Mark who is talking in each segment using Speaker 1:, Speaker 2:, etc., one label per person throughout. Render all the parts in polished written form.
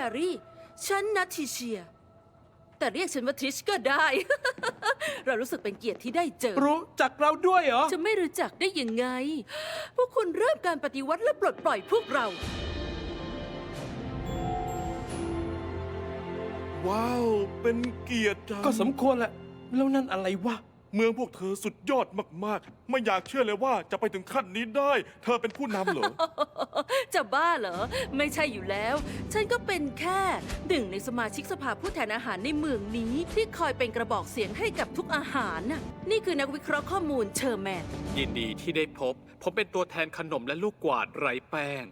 Speaker 1: ร์รี่ฉันนัททิเชียแต่เรียกฉันว่าทริชก็ได้ เรารู้สึกเป็นเกียรติที่ได้เจอ
Speaker 2: รู้จักเราด้วยเหรอ
Speaker 1: จะไม่รู้จักได้ยังไง พวกคุณเริ่มการปฏิวัติและปลดปล่อยพวกเรา
Speaker 3: ว้าว เป็นเกียรติจัง
Speaker 2: ก็สมควรแหละ แล้วนั่นอะไรวะ
Speaker 3: เมืองพวกเธอสุดยอดมากๆ ไม่อยากเชื่อเลยว่าจะไปถึงขั้นนี้ได้ เธอเป็นผู้นำเหรอ
Speaker 1: จะบ้าเหรอ ไม่ใช่อยู่แล้ว ฉันก็เป็นแค่หนึ่งในสมาชิกสภาผู้แทนอาหารในเมืองนี้ ที่คอยเป็นกระบอกเสียงให้กับทุกอาหารน่ะนี่คือนักวิเคราะห์ข้อมูลเชอร์แมน
Speaker 4: ยินดีที่ได้พบ ผมเป็นตัวแทนขนมและลูกกวาดไร้แป้ง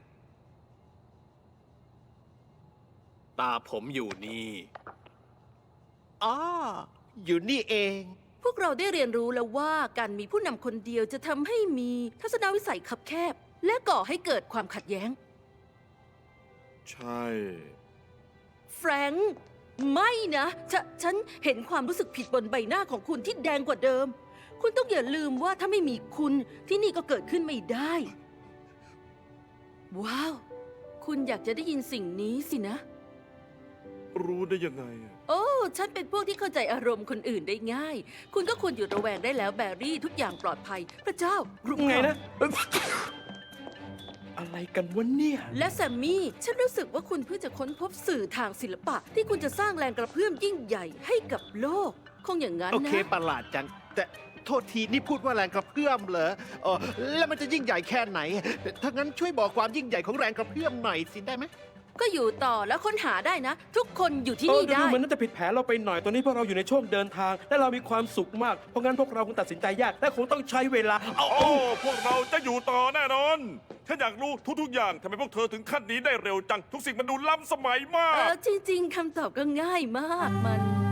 Speaker 4: ตาผมอยู่นี่
Speaker 5: อ๋อ อยู่นี่เอง
Speaker 1: พวกเราได้เรียนรู้แล้วว่าการมีผู้นำคนเดียวจะทำให้มีทัศนวิสัยคับแคบ และก่อให้เกิดความขัดแย้ง
Speaker 3: ใช่
Speaker 1: แฟรงค์ไม่นะฉันเห็นความรู้สึกผิดบนใบหน้าของคุณที่แดงกว่าเดิม คุณต้องอย่าลืมว่าถ้าไม่มีคุณที่นี่ก็เกิดขึ้นไม่ได้ ว้าว คุณอยากจะได้ยินสิ่งนี้สินะ
Speaker 3: รู้ได้ยังไงอะ
Speaker 1: โอ้ ฉันเป็นพวกที่เข้าใจอารมณ์คนอื่นได้ง่าย คุณก็ควรหยุดระแวงได้แล้วแบรี่ทุกอย่างปลอดภัย พระเจ้ารุก
Speaker 2: ไง
Speaker 1: ราน
Speaker 2: นะ อะไรกันวะเนี่ย
Speaker 1: และแซมมี่ ฉันรู้สึกว่าคุณเพิ่งจะค้นพบสื่อทางศิลปะ ที่คุณจะสร้างแรงกระเพื่อมยิ่งใหญ่ให้กับโลก คงอย่างนั้น
Speaker 5: โอ
Speaker 1: นะ
Speaker 5: เคประหลาดจัง แต่โทษทีนี่พูดว่าแรงกระเพื่อมเหรอแล้วมันจะยิ่งใหญ่แค่ไหน ถ้างั้นช่วยบอกความยิ่งใหญ่ของแรงกระเพื่อมหน่อยสิได้ไหม
Speaker 1: ก็อยู่ต่อแล้วค้นหาได้นะ ทุกคนอยู่ที่
Speaker 2: เออ
Speaker 1: นี่
Speaker 2: ดู
Speaker 1: ได้
Speaker 2: เหมือนน่าจะผิดแผนเราไปหน่อย ตอนนี้พวกเราอยู่ในช่วงเดินทาง และเรามีความสุขมาก เพราะงั้นพวกเราคงตัดสินใจยาก และคงต้องใช้เวลา
Speaker 3: โอ้ พวกเราจะอยู่ต่อแน่นอน ฉันอยากรู้ทุกๆอย่างทำไมพวกเธอถึงขั้นนี้ได้เร็วจัง ทุกสิ่งมันดูล้ำสมัยมา
Speaker 1: จริงๆคำตอบก็ง่ายมากมัน